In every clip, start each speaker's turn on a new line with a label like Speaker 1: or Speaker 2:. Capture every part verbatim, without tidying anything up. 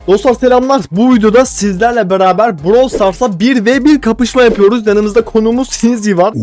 Speaker 1: Dostlar selamlar. Bu videoda sizlerle beraber Brawl Stars'a bir ve bir kapışma yapıyoruz. Yanımızda konuğumuz Sinzi var.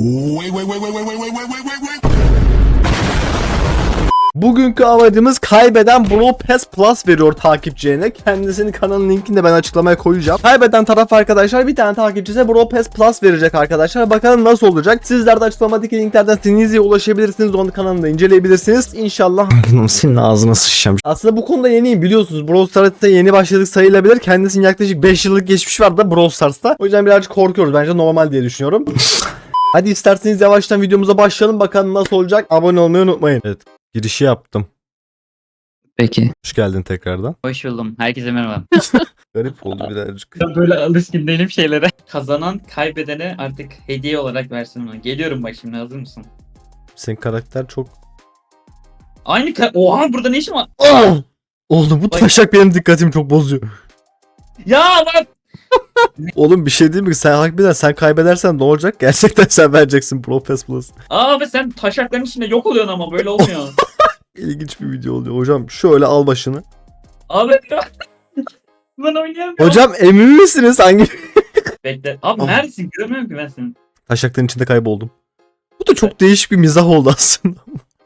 Speaker 1: Bugünkü amacımız kaybeden Brawl Pass Plus veriyor takipçilerine. Kendisinin kanalının linkini de ben açıklamaya koyacağım. Kaybeden taraf arkadaşlar bir tane takipçisine Brawl Pass Plus verecek arkadaşlar. Bakalım nasıl olacak. Sizler de açıklamadaki linklerden Sinzi'ye ulaşabilirsiniz. Onun kanalında inceleyebilirsiniz. İnşallah. Senin ağzına sıçacağım. Aslında bu konuda yeniyim biliyorsunuz. Brawl Stars'ta yeni başladık sayılabilir. Kendisinin yaklaşık beş yıllık geçmiş var da Brawl Stars'ta. O yüzden birazcık korkuyoruz. Bence normal diye düşünüyorum. Hadi isterseniz yavaştan videomuza başlayalım. Bakalım nasıl olacak. Abone olmayı unutmayın. Evet. Girişi yaptım.
Speaker 2: Peki.
Speaker 1: Hoş geldin tekrardan.
Speaker 2: Hoş buldum. Herkese merhaba.
Speaker 1: Garip oldu birazcık.
Speaker 2: Ben böyle alışkın değilim şeylere. Kazanan kaybedene artık hediye olarak versin onu. Geliyorum bak şimdi, hazır mısın?
Speaker 1: Senin karakter çok...
Speaker 2: Aynı ka- Oha, burada ne işin var?
Speaker 1: Oh! Oğlum bu taşak benim dikkatimi çok bozuyor.
Speaker 2: Ya bak.
Speaker 1: Oğlum bir şey değil mi? Sen harbiden sen kaybedersen ne olacak? Gerçekten sen vereceksin Pro Pass Plus.
Speaker 2: Abi sen taşakların içinde yok oluyorsun ama böyle olmuyor.
Speaker 1: İlginç bir video oluyor. Hocam şöyle al başını.
Speaker 2: Abi ben oynayamıyorum.
Speaker 1: Hocam emin misiniz hangi...
Speaker 2: Bekle. Abi
Speaker 1: Oh.
Speaker 2: neredesin? Göremiyorum ki ben seni.
Speaker 1: Taşakların içinde kayboldum. Bu da çok değişik bir mizah oldu aslında.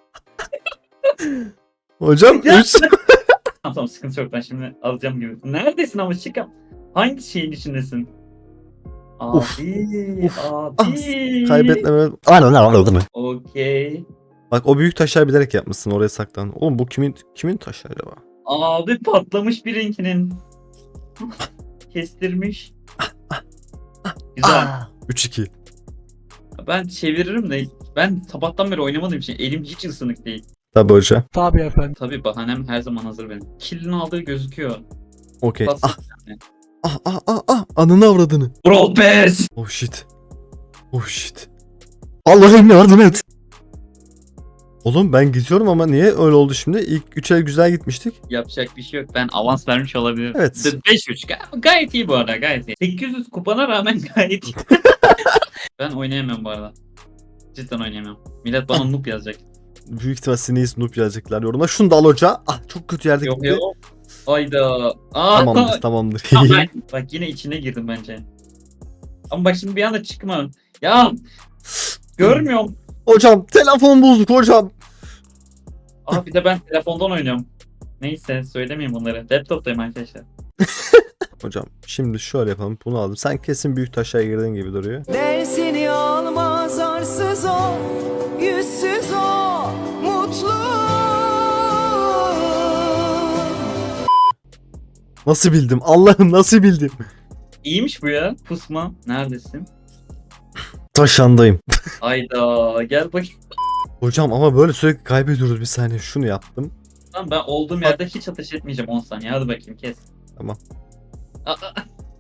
Speaker 1: Hocam
Speaker 2: Ya.
Speaker 1: üç...
Speaker 2: Tamam tamam, sıkıntı yok, ben şimdi alacağım gibi. Neredesin ama çıkam. Hangi şeyin içindesin? Abi.
Speaker 1: Uf. Uf.
Speaker 2: Abi.
Speaker 1: Kaybetmeme... Aynen anladın mı?
Speaker 2: Okey.
Speaker 1: Bak o büyük taşlar bilerek yapmışsın oraya saklan. Oğlum bu kimin kimin taşı acaba?
Speaker 2: Abi patlamış birinkinin. Kestirmiş. Güzel.
Speaker 1: üç iki.
Speaker 2: Ben çeviririm de ben sabahtan beri oynamadığım için elim hiç ısınık değil.
Speaker 1: Tabii hocam.
Speaker 3: Tabii efendim.
Speaker 2: Tabii bahanem her zaman hazır benim. Kill'in aldığı gözüküyor.
Speaker 1: Okey.
Speaker 2: Basit
Speaker 1: Ah
Speaker 2: yani.
Speaker 1: ah ah ah ah. Anını avradını.
Speaker 2: Brawl Pass!
Speaker 1: Oh shit. Oh shit. Allah'ım yardım et. Oğlum ben gidiyorum ama niye öyle oldu şimdi? İlk üç el güzel gitmiştik.
Speaker 2: Yapacak bir şey yok. Ben avans vermiş olabilirim.
Speaker 1: Evet.
Speaker 2: beş üç Gay- gayet iyi bu arada, gayet iyi. sekiz yüz kupana rağmen gayet iyi. Ben oynayamıyorum bu arada. Cidden oynayamıyorum. Millet bana noob yazacak.
Speaker 1: Büyük ihtimal Sneeze noob yazacaklar yoruma. Şunu da al hoca. Ah çok kötü yerde
Speaker 2: Yok
Speaker 1: gitti.
Speaker 2: yok. Ayda. Aa,
Speaker 1: Tamamdır tamamdır.
Speaker 2: Tamam, ben- bak yine içine girdim bence. Ama bak şimdi bir anda çıkma. Ya görmüyorum.
Speaker 1: Hocam telefon bozduk hocam.
Speaker 2: Aa, bir de ben telefondan oynuyorum. Neyse söylemeyeyim bunları. Laptop'tayım arkadaşlar.
Speaker 1: Hocam şimdi şöyle yapalım. Bunu aldım. Sen kesin büyük taşa girdin gibi duruyor.
Speaker 4: Dersini almaz arsız o, yüzsüz o, mutlu.
Speaker 1: Nasıl bildim? Allah'ım nasıl bildim?
Speaker 2: İyiymiş bu ya. Pusma. Neredesin?
Speaker 1: Taşandayım.
Speaker 2: Ayda gel bakayım.
Speaker 1: Hocam ama böyle sürekli kaybediyoruz bir saniye. Şunu yaptım.
Speaker 2: Tamam, ben olduğum yerde hiç ateş etmeyeceğim on saniye. Hadi bakayım, kes.
Speaker 1: Tamam.
Speaker 2: Aa, aa.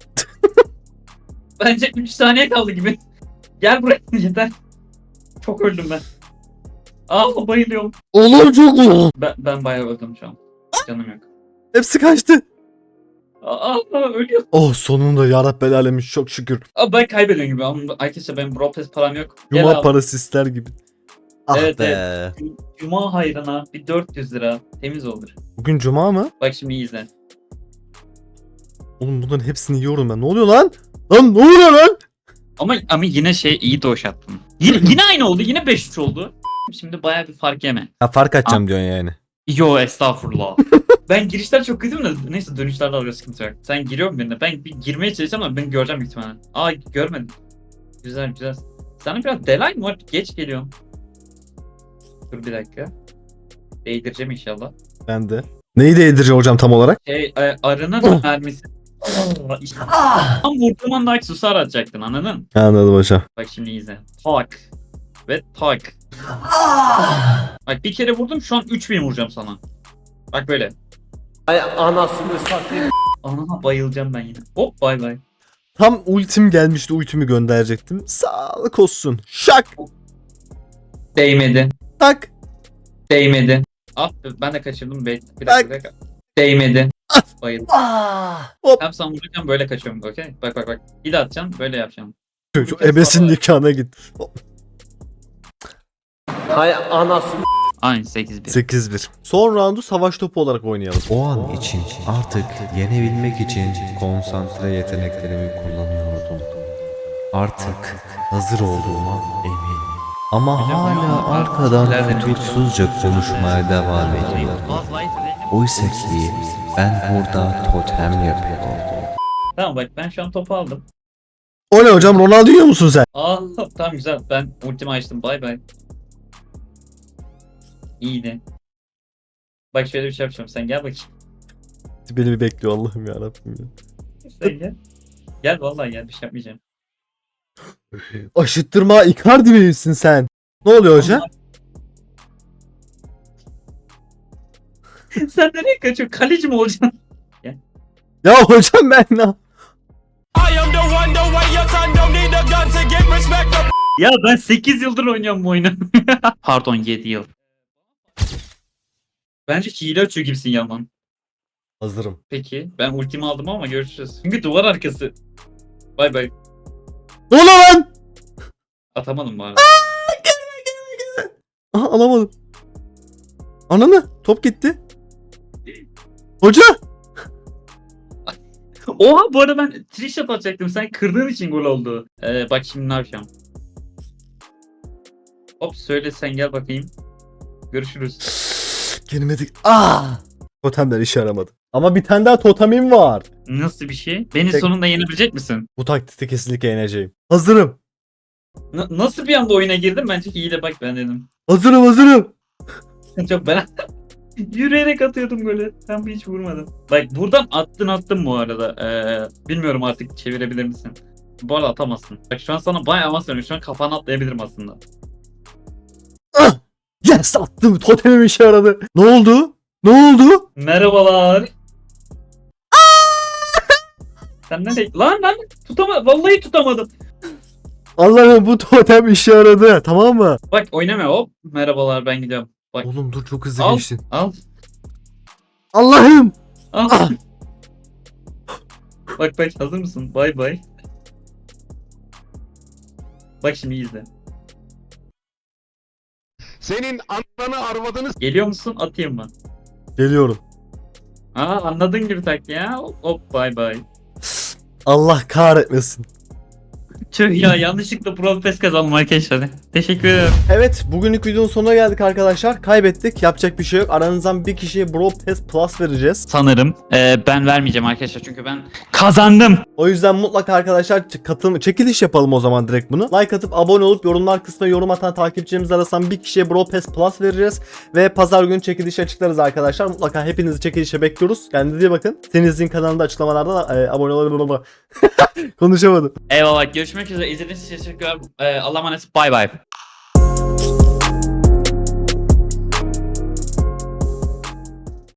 Speaker 2: Bence üç saniye kaldı gibi. Gel buraya yeter. Çok öldüm ben. Aa, bayılıyorum.
Speaker 1: Oğlum çok mu?
Speaker 2: Ben, ben bayağı öldüm şu an. Canım yok.
Speaker 1: Hepsi kaçtı.
Speaker 2: Aa, ölüyorum.
Speaker 1: Oh sonunda yarabbel alemin çok şükür.
Speaker 2: Aa, ben kaybediyorum gibi. Ama arkadaşlar benim Brawl Pass param yok. Gel
Speaker 1: Yuma
Speaker 2: al.
Speaker 1: parası ister gibi. Ah
Speaker 2: Evet,
Speaker 1: be.
Speaker 2: Cuma hayrına bir dört yüz lira temiz olur.
Speaker 1: Bugün cuma mı?
Speaker 2: Bak şimdi iyi izle.
Speaker 1: Oğlum bunların hepsini yiyorum ben. Ne oluyor lan? Lan ne oluyor lan?
Speaker 2: Ama ama yine şey, iyi doş attın. Yine, yine aynı oldu. Yine beş üç oldu. Şimdi bayağı bir fark yeme.
Speaker 1: Ha fark atacağım diyorsun yani.
Speaker 2: Yo, estağfurullah. Ben girişler çok kötüyüm da neyse, dönüşlerde alıyor, sıkıntı yok. Sen giriyor birine. Ben bir girmeye çalışacağım ama ben göreceğim büyük ihtimalle. Aa, görmedim. Güzel güzel. Sana biraz delay mı var? Geç geliyorum. Dur bir dakika. Değdireceğim inşallah.
Speaker 1: Ben de. Neyi değdireceğim hocam tam olarak?
Speaker 2: Şey, e, arının mermisi. Aa, işte. Tam vurduğum anda aksesuar atacaktın, anladın?
Speaker 1: Anladım hocam.
Speaker 2: Bak şimdi izle. Tak. Ve tak. Bak bir kere vurdum, şu an üç bin vuracağım sana. Bak böyle.
Speaker 3: Ay anasını satayım.
Speaker 2: Ana, bayılacağım ben yine. Hop, bay bay.
Speaker 1: Tam ultim gelmişti. Ultimi gönderecektim. Sağlık olsun. Şak.
Speaker 2: Değmedi.
Speaker 1: Tak.
Speaker 2: Değmedi. Ah, ben de kaçırdım. Be bir dakika, bir dakika. Değmedi. Bayıldım.
Speaker 1: Hop.
Speaker 2: Hem sen vururken böyle kaçıyorum. Okey. Bak bak bak. Bir de atacağım. Böyle yapacağım.
Speaker 1: Şu ebesin nikahına git.
Speaker 3: Hay anasını.
Speaker 2: Aynen sekiz bir.
Speaker 1: sekiz bir. Son roundu savaş topu olarak oynayalım.
Speaker 5: O an için artık yenebilmek için konsantre yeteneklerimi kullanıyordum. Artık hazır olduğuma eminim. Ama hala arkadan fütursuzca konuşmaya devam ediyor. Oysa ki ben burada totem yapıyordum.
Speaker 2: Tamam bak ben şu an topu aldım.
Speaker 1: O ne hocam, Ronaldinho musun sen?
Speaker 2: Aa tamam güzel. Ben ultimi açtım. Bay bay. İyiydi. Bak şöyle bir şey yapacağım. Sen gel bakayım.
Speaker 1: Beni bir bekliyor Allah'ım yarabbim ya.
Speaker 2: Sen gel. Gel vallahi gel. Bir şey yapmayacağım.
Speaker 1: Aşıttırma Icardi misin sen? Ne oluyor hocam?
Speaker 2: Sen nereye kaçıyorsun? Kaleci mi olacaksın?
Speaker 1: Ya hocam ben ne?
Speaker 2: Ya ben sekiz yıldır oynuyorum bu oyunu. Pardon yedi yıl. Bence hile açıyor gibisin Yaman.
Speaker 1: Hazırım.
Speaker 2: Peki ben ultimi aldım ama görüşürüz. Çünkü duvar arkası. Bay bay.
Speaker 1: Ne oluyor lan?
Speaker 2: Atamadım bari.
Speaker 1: Aha alamadım. Ananı top gitti. Hoca.
Speaker 2: Oha bu arada ben trick shot atacaktım. Sen kırdığın için gol oldu. Ee, bak şimdi ne yapacağım. Hop söyle sen gel bakayım. Görüşürüz.
Speaker 1: Girmedik. Ah. Totemler işe yaramadı. Ama bir tane daha totemim var.
Speaker 2: Nasıl bir şey? Beni
Speaker 1: Tek-
Speaker 2: sonunda yenebilecek misin?
Speaker 1: Bu taktikte kesinlikle yeneceğim. Hazırım.
Speaker 2: N- nasıl bir anda oyuna girdim? Bence hile bak ben dedim.
Speaker 1: Hazırım hazırım.
Speaker 2: Çok ben yürüyerek atıyordum golü. Tam hiç vurmadım. Bak buradan attın attın bu arada. Ee, bilmiyorum artık çevirebilir misin? Bu arada atamazsın. Bak şu an sana bayağı avans veriyorum. Şu an kafana atlayabilirim aslında.
Speaker 1: Ah! Yes attım. Totemim işe yaradı. Ne oldu? Ne oldu?
Speaker 2: Merhabalar. Sen nereye? Lan lan tutamadım. Vallahi tutamadım.
Speaker 1: Allah'ım bu totem işe yaradı. Tamam mı?
Speaker 2: Bak oynama hop. Merhabalar ben gidiyorum. Bak
Speaker 1: Oğlum dur çok hızlı
Speaker 2: al
Speaker 1: geçtin.
Speaker 2: al
Speaker 1: Allah'ım.
Speaker 2: al.
Speaker 1: Ah!
Speaker 2: Bak bak hazır mısın? Bay bay. Bak şimdi iyi izle.
Speaker 3: Senin ananı arvadını
Speaker 2: Geliyor musun? Atayım mı?
Speaker 1: Geliyorum.
Speaker 2: Aa anladın gibi tak ya. Hop hop bay bay.
Speaker 1: Allah kahretmesin.
Speaker 2: Tüh ya yanlışlıkla Pro Pass kazandım arkadaşlar. Teşekkür ederim.
Speaker 1: Evet bugünlük videonun sonuna geldik arkadaşlar. Kaybettik. Yapacak bir şey yok. Aranızdan bir kişiye Bro Pass Plus vereceğiz.
Speaker 2: Sanırım e, ben vermeyeceğim arkadaşlar çünkü ben kazandım.
Speaker 1: O yüzden mutlaka arkadaşlar ç- katılım çekiliş yapalım o zaman direkt bunu. Like atıp abone olup yorumlar kısmına yorum atan takipçilerimiz arasından bir kişiye Bro Pass Plus vereceğiz. Ve pazar günü çekilişi açıklarız arkadaşlar. Mutlaka hepinizi çekilişe bekliyoruz. Kendinize iyi bakın. Deniz'in kanalında açıklamalarda e, abone olabilir. Konuşamadım.
Speaker 2: Eyvallah görüşmek üzere. İzlediğiniz için teşekkürler. E, Allah'a emanet. Bay bay.